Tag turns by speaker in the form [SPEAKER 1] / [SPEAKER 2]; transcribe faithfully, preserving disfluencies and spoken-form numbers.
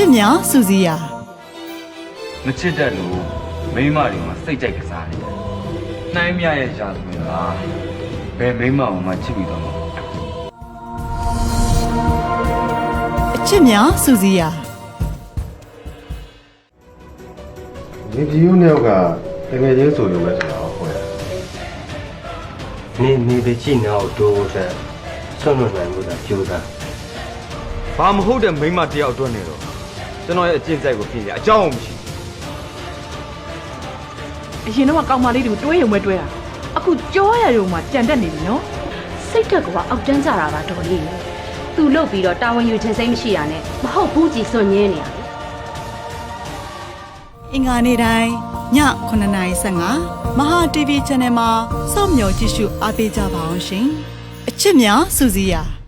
[SPEAKER 1] ချစ်များစူစီယာ
[SPEAKER 2] မချစ်တတ်လို့မိန်းမတွေမှာစိတ်ကြိုက်ကစားတယ်နှိုင်းမြရဲ့ရာဇဝင်လားဘယ်မိန်းမမှချစ်ပြီးတော့မှာ
[SPEAKER 1] အချစ်များစူစီယာ
[SPEAKER 3] နေပြည်တော်နှစ်ယောက်ကတကယ်ချင်းဆိုရုံပဲဆိုတော့ဟုတ်ရဲ့
[SPEAKER 4] နေနေပဲကြည့်နေအောင်တိုးဖို့တဲ့ဆွန့်လွတ်နိုင်မှုသာကြိုးစား
[SPEAKER 2] ဘာမဟုတ်တဲ့မိန်းမတယောက်အတွက်နေတော့ကျွန်တော်ရဲ့အကျင့်စိုက်ကိုပြင်ရအကြောင်းမရှိ
[SPEAKER 5] အရင်တော့ကောင်းမလေးတွေကိုတွဲရုံပဲတွဲတာအခုကြောရရုံမှာကြံတက်နေပြီနော်
[SPEAKER 6] စိတ်ဓာတ်ကအောက်တန်းကြတာပါတော်လေးသူ့လုပ်ပြီးတော့တာဝန်ယူခြင်းစိတ်မရှိရနဲ့မဟုတ်ဘူးကြည်စွန့်ညင်းနေရ
[SPEAKER 1] အင်္ဂါနေ့တိုင်းညခုနှစ်နာရီဆယ့်ငါမဟာ တီ ဗီ Channel မှာစောင့်မျှော်ကြည့်ရှုအားပေးကြပါအောင်ရှင်အချစ်များစူစီယာ